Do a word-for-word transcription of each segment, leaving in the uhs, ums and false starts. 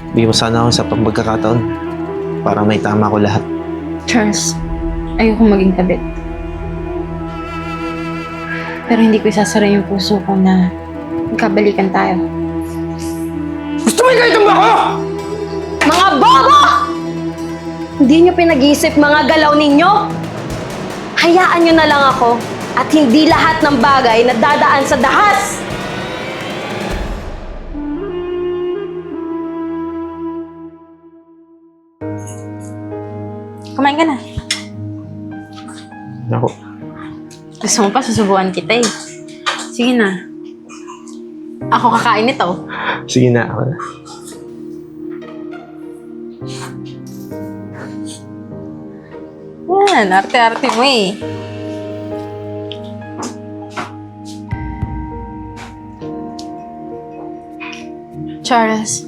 Bigyan mo sana ako sa pagkakataon para may tama ko lahat. Charles, ayoko maging kabit. Pero hindi ko isasara yung puso ko na magkabalikan tayo. Gusto mo ikaitan ba ako? Mga bobo! Hindi nyo pinag-isip mga galaw ninyo? Hayaan nyo na lang ako at hindi lahat ng bagay na dadaan sa dahas! Kumain ka na. Ako. Gusto mo pa, susubukan kita eh. Sige na. Ako kakain nito. Sige na, ako na. Yan, arte-arte mo eh. Charles,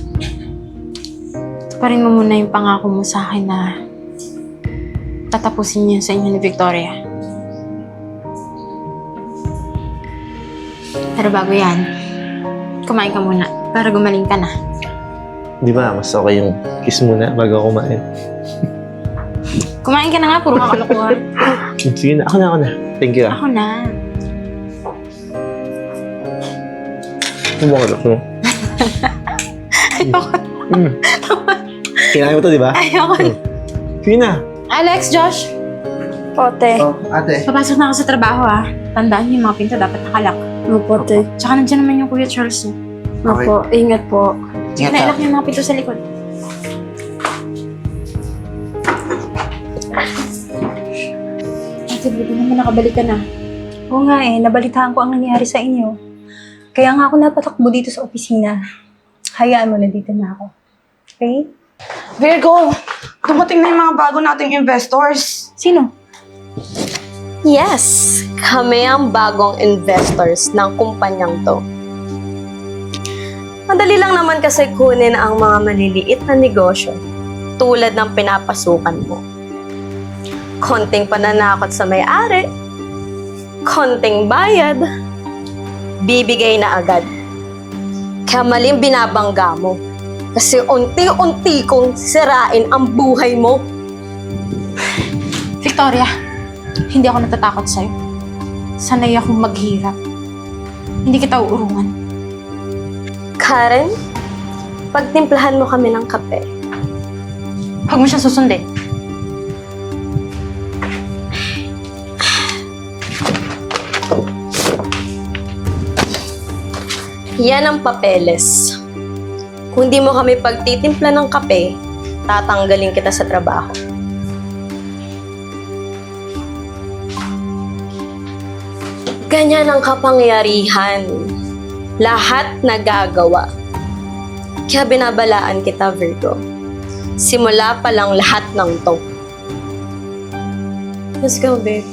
tuparin mo muna yung pangako mo sa akin na tatapusin niyo sa inyo ni Victoria. Pero bago yan, kumain ka muna para gumaling ka na. Di ba, mas okay yung kiss muna bago ako kumain. Kumain ka na nga, puro kakalokohan. Sige na, ako na, ako na. Thank you ah. Ako na. Ano ba kalok mo? Ayoko. Mm. Kinain mo to, di ba? Ayoko. Mm. Sige na. Alex, Josh, Pote. Oh, ate. papasok na ako sa trabaho ah. Tandaan niyo yung mga pinto dapat nakalak. Opo, te. Tsaka nandiyan naman yung Kuya Charles niyo. Opo, ingat po. Sige na, ilak niyo yung mga pinto sa likod. Ate, buti naman nakabalik ka na. Oo nga eh, nabalitaan ko ang nangyari sa inyo. Kaya nga ako napatakbo dito sa opisina. Hayaan mo na dito na ako. Okay? Virgo, dumating na yung mga bago nating investors. Sino? Yes, kami ang bagong investors ng kumpanyang to. Madali lang naman kasi kunin ang mga maliliit na negosyo tulad ng pinapasukan mo. Konting pananakot sa may-ari, konting bayad, bibigay na agad. Kaya maling binabangga mo kasi unti-unti kong sirain ang buhay mo. Victoria, hindi ako natatakot sa'yo. Sanay akong maghirap. Hindi kita uurungan. Karen, pagtimplahan mo kami ng kape. Huwag mo siya susundin. Yan ang papeles. Kung di mo kami pagtitimpla ng kape, tatanggalin kita sa trabaho. Ganyan ang kapangyarihan. Lahat nagagawa. Kaya binabalaan kita, Virgo. Simula pa lang lahat ng to. Let's go, babe.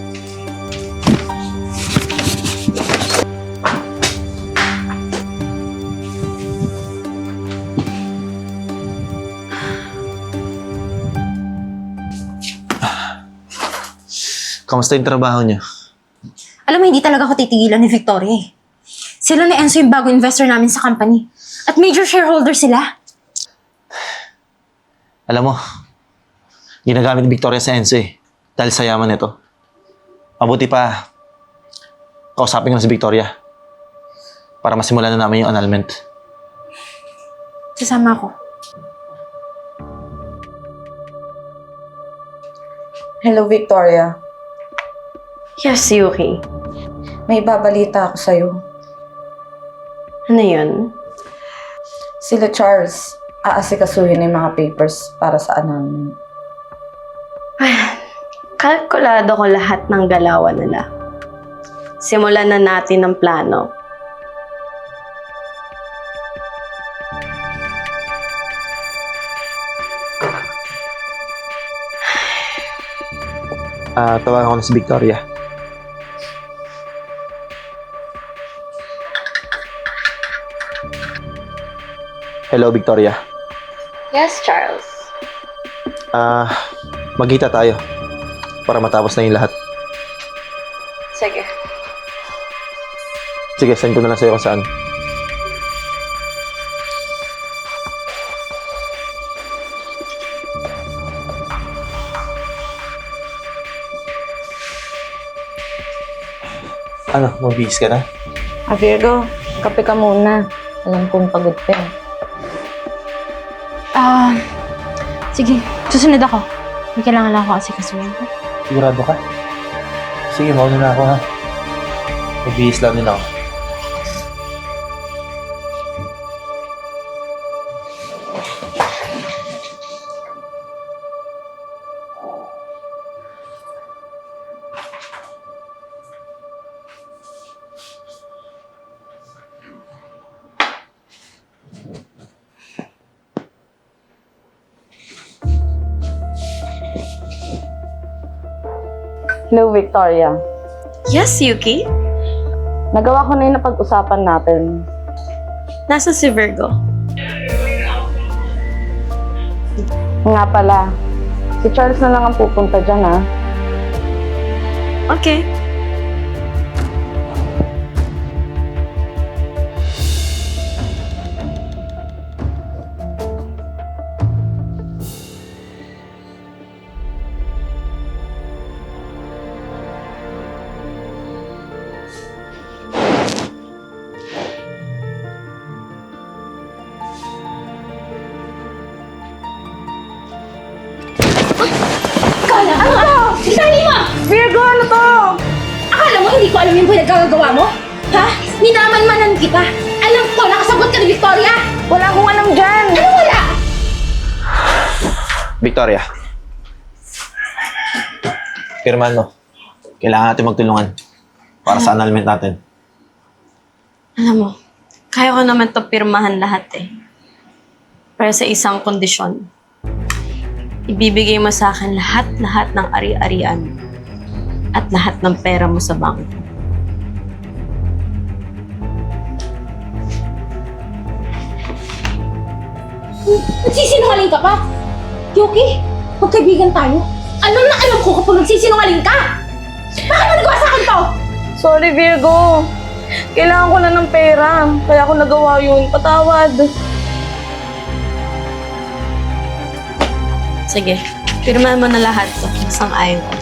Kamusta yung trabaho niyo? Alam mo, hindi talaga ako titigilan ni Victoria eh. Sila ni Enzo yung bagong investor namin sa company. At major shareholder sila. Alam mo, ginagamit ni Victoria sa Enzo eh. Dahil sa yaman nito. Mabuti pa, kausapin ko na si Victoria. Para masimulan na namin yung annulment. Sasama ako. Hello, Victoria. Yes, Yuki. May babalita ako sa'yo. Ano yun? Sila Charles, aasikasuhin yung mga papers para sa annulment. Kalkulado ko lahat ng galawan nila. Simulan na natin ang plano. Ah, tawagan ko na si Victoria. Hello, Victoria. Yes, Charles. Ah, magkita tayo para matapos na yung lahat. Sige. Sige, send ko na lang sa'yo kung saan. Ano, mabihis ka na? Ah, Virgo, kape ka muna. Alam kong pagod ka eh. Ah, sige. Susunod ako. May kailangan lang ako kasi kasuhin ko. Sigurado ka? Sige, mauna na ako ha. Mabihis lang din ako. Hello, Victoria. Yes, Yuki? Nagawa ko na yung napag-usapan natin. Nasa si Virgo? Nga pala, si Charles na lang ang pupunta dyan, ha? Okay. Kala, ano to? Itali mo! Virgo, ano to? Akala mo hindi ko alam yung pinagkagagawa mo? Ha? Minaman-manan kita. Alam ko, nakasabot ka ni Victoria. Wala akong alam dyan. Ano wala? Victoria. Pirmahan mo. Kailangan natin magtulungan para sa annulment natin. Alam mo, kaya ko naman to pirmahan lahat eh. Pero sa isang kondisyon. Ibibigay mo sa akin lahat-lahat ng ari-arian at lahat ng pera mo sa bangko. Nagsisinungaling ka pa? Yuki, magkaibigan tayo. Alam na alam ko kapag nagsisinungaling ka. Bakit mo nagawa sa akin to? Sorry, Virgo. Kailangan ko na ng pera. Kaya ako nagawa yun. Patawad. Sige, pirmahan mo na lahat to. Isang ayaw ko.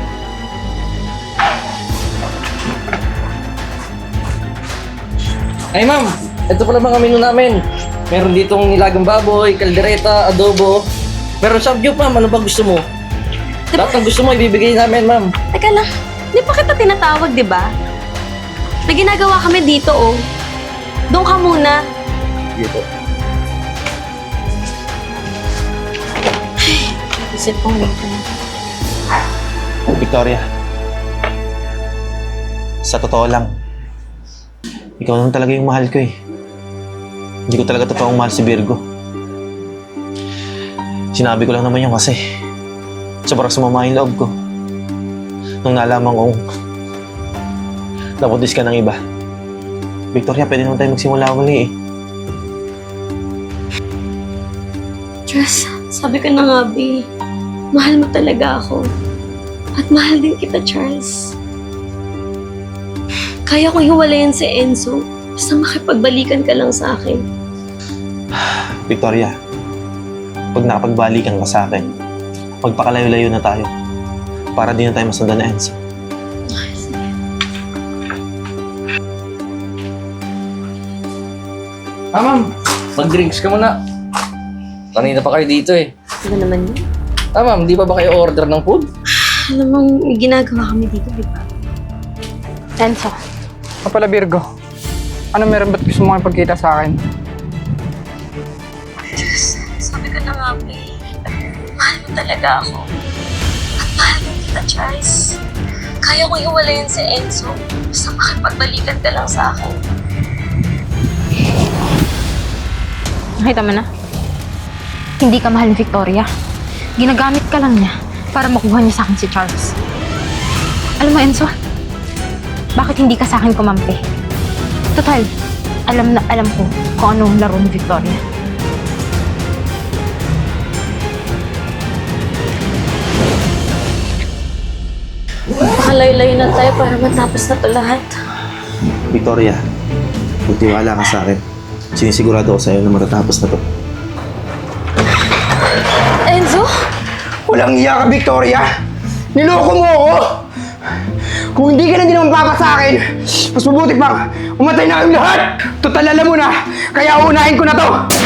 Ay ma'am, ito pala mga menu namin. Meron ditong nilagang baboy, kaldereta, adobo. Meron samgyup ma'am, ano ba gusto mo? Lahat ng gusto mo ibibigay namin ma'am. Teka lang, di pa kita tinatawag, di ba? May ginagawa kami dito, oh. Doon ka muna. Dito. Isip kong dito. Victoria. Sa totoo lang, ikaw naman talaga yung mahal ko eh. Hindi ko talaga totoong mahal si Virgo. Sinabi ko lang naman yun kasi sobrang sumama yung loob ko. Nung nalaman kong napuntis ka ng iba. Victoria, pwede naman tayo magsimula muli eh. Diyos, sabi ko na nga, B. Mahal mo talaga ako. At mahal din kita, Charles. Kaya kong hiwalayan si Enzo. Basta makipagbalikan ka lang sa akin. Victoria, pag nakapagbalikan ka sa akin, magpakalayo-layo na tayo. Para di na tayo masundan na Enzo. Ay, sige. Ah ma'am, mag-drinks ka muna. Kanina pa kayo dito eh. Ano naman yun? Ah ma'am, di pa ba kayo order ng food? Alam mo, may ginagawa kami dito, di ba? Enzo, Kapala Virgo, ano meron ba't gusto mo ipagkita sa akin? Diyos, sabi ko na nga, B. Mahal mo talaga ako. At mahal din kita, Charles. Kaya kong hiwalayan si Enzo. Basta makipagbalikan ka lang sa akin. nakita mo na? Hindi ka mahal ni Victoria. Ginagamit ka lang niya para makuha niya sa akin si Charles. Alam mo, Enzo, bakit hindi ka sa akin kumampi? Total, alam na alam ko kung anong laro ni Victoria. Pakalayo-layo na tayo para matapos na to lahat. Victoria, magtiwala ka sa akin. Sinisigurado ko sa'yo na matatapos na to. Enzo? Walang iya ka, Victoria! Niloko mo ako! Kung hindi ka na din naman papa sa akin, mas mabuti pang umatay na kayong lahat! Total alam mo na, kaya uunahin ko na to!